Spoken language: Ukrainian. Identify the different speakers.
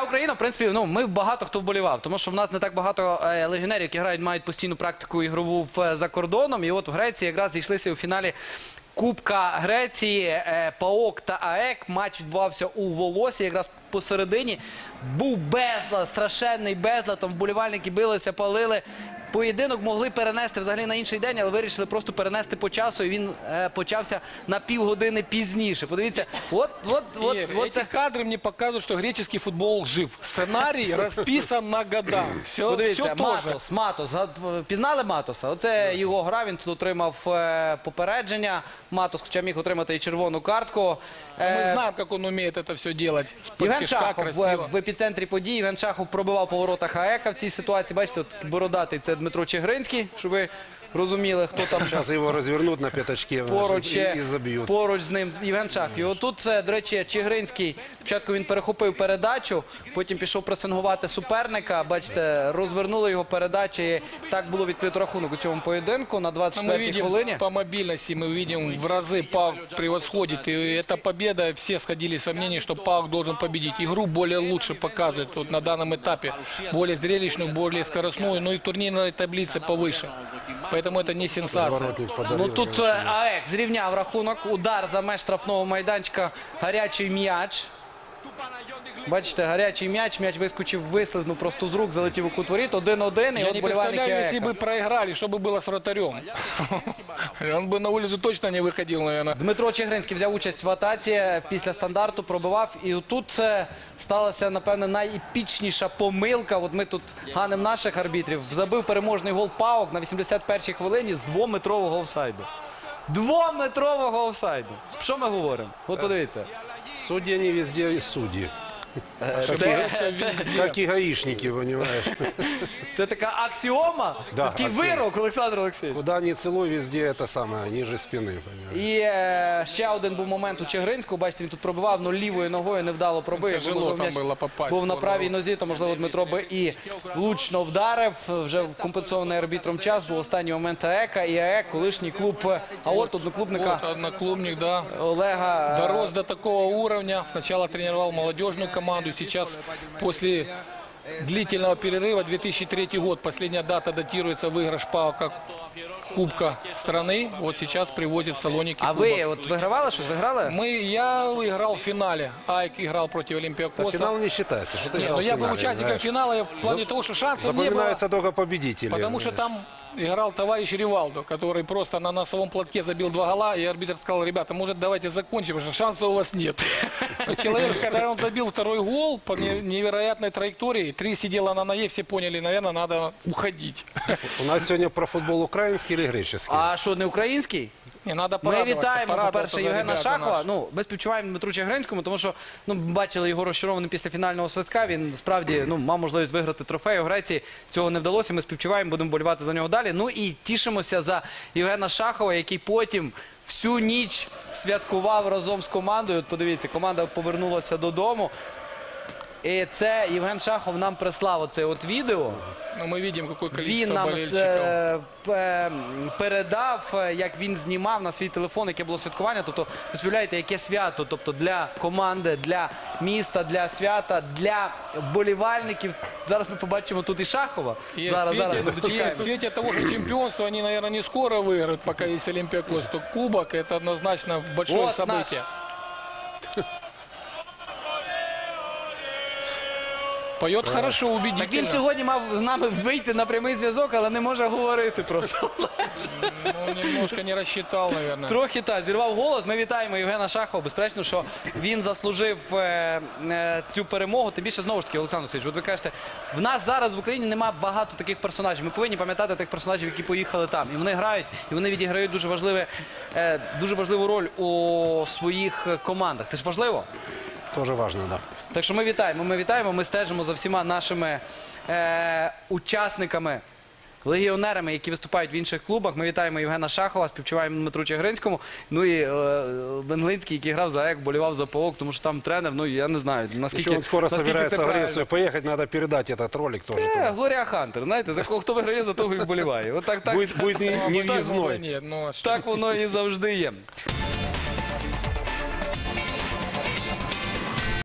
Speaker 1: Україна, в принципі, ну, ми багато хто вболівав, тому що в нас не так багато легіонерів, які грають, мають постійну практику ігрову за кордоном. І от в Греції якраз зійшлися у фіналі Кубка Греції, ПАОК та АЕК. Матч відбувався у Волосі, якраз посередині. Був безлад, страшенний безлад, там вболівальники билися, палили. Поєдинок могли перенести взагалі на інший день, але вирішили просто перенести по часу, і він почався на півгодини пізніше. Подивіться, от
Speaker 2: эти кадры мне показывают, что греческий футбол жив. Сценарий расписан на года.
Speaker 1: Подивіться, Матос. Пізнали Матоса? Оце його гра, він тут отримав попередження. Матос, хоча міг отримати і червону картку.
Speaker 2: Мы знаем, как он умеет это все делать.
Speaker 1: Євген Шахов в епіцентрі подій. Євген Шахов пробивав по воротах АЕКа в цій ситуації. Бачите, от бородатий – це Дмитро Чигринський, щоб ви розуміли, хто там.
Speaker 3: Зараз його розвернуть на п'ятачки і заб'ють.
Speaker 1: Поруч з ним Євген Шахов. І отут це, до речі, Чигринський. Спочатку він перехопив передачу, потім пішов пресингувати суперника. Бачите, розвернули його передачі. І так було відкрито рахунок у цьому поєдинку на 24-й хвилині.
Speaker 2: По мобильности мы видим, в разы ПАОК превосходит. И эта победа, все сходились во мнении, что ПАОК должен победить. Игру более лучше показывает вот на данном этапе. Более зрелищную, более скоростную, но и в турнирной таблице повыше. Поэтому это не сенсация.
Speaker 1: Ну тут АЕК зрівняв рахунок. Удар за меж штрафного майданчика. Гарячий м'яч. Бачите, гарячий м'яч. М'яч вискочив, вислизнув просто з рук, залетів у кут воріт. 1-1.
Speaker 2: Я не представляю, если бы проиграли, что бы было с вратарем. Он бы на улицу точно не выходил, наверное.
Speaker 1: Дмитро Чигринський взяв участь в атаці, після стандарту пробивав. І тут сталася, напевне, найепічніша помилка. От ми тут ганимо наших арбітрів. Забив переможний гол ПАОК на 81-й хвилині з 2-метрового офсайду. 2-метрового офсайду. Що ми говоримо? От подивіться.
Speaker 3: Судьи не везде судьи. Как и гаишники, понимаешь.
Speaker 1: Це така аксіома? Це такий вирок, Олександр Олексійович.
Speaker 3: Куда ни целуй, везде это самое, ниже спины, понимаешь.
Speaker 1: І ще один був момент у Чигринського. Бачите, він тут пробивав, але лівою ногою невдало пробив.
Speaker 2: Тяжело там було попасть.
Speaker 1: Був на правій нозі, то, можливо, Дмитро би і влучно вдарив. Вже в компенсований арбітром час був останній момент АЕКа. І АЕК, колишній клуб, а от одноклубника
Speaker 2: одноклубник, да.
Speaker 1: Олега.
Speaker 2: Дорос до такого уровня. Сначала тренировал молодежную команду. Сейчас, после длительного перерыва, 2003 год, последняя дата датируется выигрыш ПАОКа Кубка страны. Вот сейчас привозит в Салоники.
Speaker 1: А ви от вигравали щось? Виграли?
Speaker 2: Я играл в финале. АЕК играл против Олимпиакоса.
Speaker 3: Финал не считается, что ты играл в
Speaker 2: я
Speaker 3: финале,
Speaker 2: был участником
Speaker 3: знаешь.
Speaker 2: финала в плане того, что шансов не было.
Speaker 3: Запоминаются только победители.
Speaker 2: Потому что там играл товарищ Ривалдо, который просто на носовом платке забил 2 гола, и арбитр сказал: ребята, может, давайте закончим, потому что шансов у вас нет. Но человек, когда он забил 2-й гол по невероятной траектории, 3 сидела на ноге, все поняли, наверное, надо уходить.
Speaker 3: У нас сегодня про футбол украинский или греческий?
Speaker 1: А що, не український?
Speaker 2: Не, надо
Speaker 1: Ми
Speaker 2: порадоваться,
Speaker 1: вітаємо,
Speaker 2: порадоваться
Speaker 1: по-перше,
Speaker 2: за
Speaker 1: Євгена
Speaker 2: ребят
Speaker 1: Шахова.
Speaker 2: наших.
Speaker 1: Ну, ми співчуваємо Дмитру Чигринському, тому що бачили його розчарованим після фінального свистка. Він справді мав можливість виграти трофей у Греції. Цього не вдалося. Ми співчуваємо, будемо болівати за нього далі. Ну і тішимося за Євгена Шахова, який потім всю ніч святкував разом з командою. От подивіться, команда повернулася додому. І це Євген Шахов нам прислав оце от відео.
Speaker 2: Ну, мы видим, какое
Speaker 1: Він
Speaker 2: количество
Speaker 1: нам
Speaker 2: болельщиков.
Speaker 1: передав, як він знімав на свій телефон, яке було святкування. Тобто, ви співляєте, яке свято, тобто для команди, для міста, для свята, для вболівальників. Зараз ми побачимо тут і Шахова.
Speaker 2: И
Speaker 1: Зараз ми
Speaker 2: в
Speaker 1: дочекаємо.
Speaker 2: свете того же чемпионства они, наверное, не скоро выиграют, пока есть Олимпиакос. То кубок — это однозначно большое
Speaker 1: Вот
Speaker 2: событие. Поет хорошо,
Speaker 1: Так він
Speaker 2: убедительно.
Speaker 1: сьогодні мав з нами вийти на прямий зв'язок, але не може говорити просто.
Speaker 2: Ну, немножко не рассчитал, наверное.
Speaker 1: Трохи так, зірвав голос. Ми вітаємо Євгена Шахова. Безперечно, що він заслужив цю перемогу. Тим більше, знову ж таки, Олександр Олексійович, от ви кажете, в нас зараз в Україні немає багато таких персонажів. Ми повинні пам'ятати тих персонажів, які поїхали там. І вони грають, і вони відіграють дуже важливу роль у своїх командах. Це ж важливо?
Speaker 3: Тоже важно, да.
Speaker 1: Так що ми вітаємо, ми стежимо за всіма нашими учасниками, легіонерами, які виступають в інших клубах. Ми вітаємо Євгена Шахова, співчуваємо Дмитру Чигринському. Ну і Венглинський, який грав за АЕК, болівав за ПАОК, тому що там тренер, ну я не знаю, наскільки
Speaker 3: Еще он скоро собирается в
Speaker 1: правильно.
Speaker 3: Грецию поехать, надо передать этот ролик тоже.
Speaker 1: Глорія Хантер, знаєте, за кого хто виграє, за того і вболіває.
Speaker 3: Будет не въездной.
Speaker 2: Нет, ну, а что?
Speaker 1: Так воно і завжди є.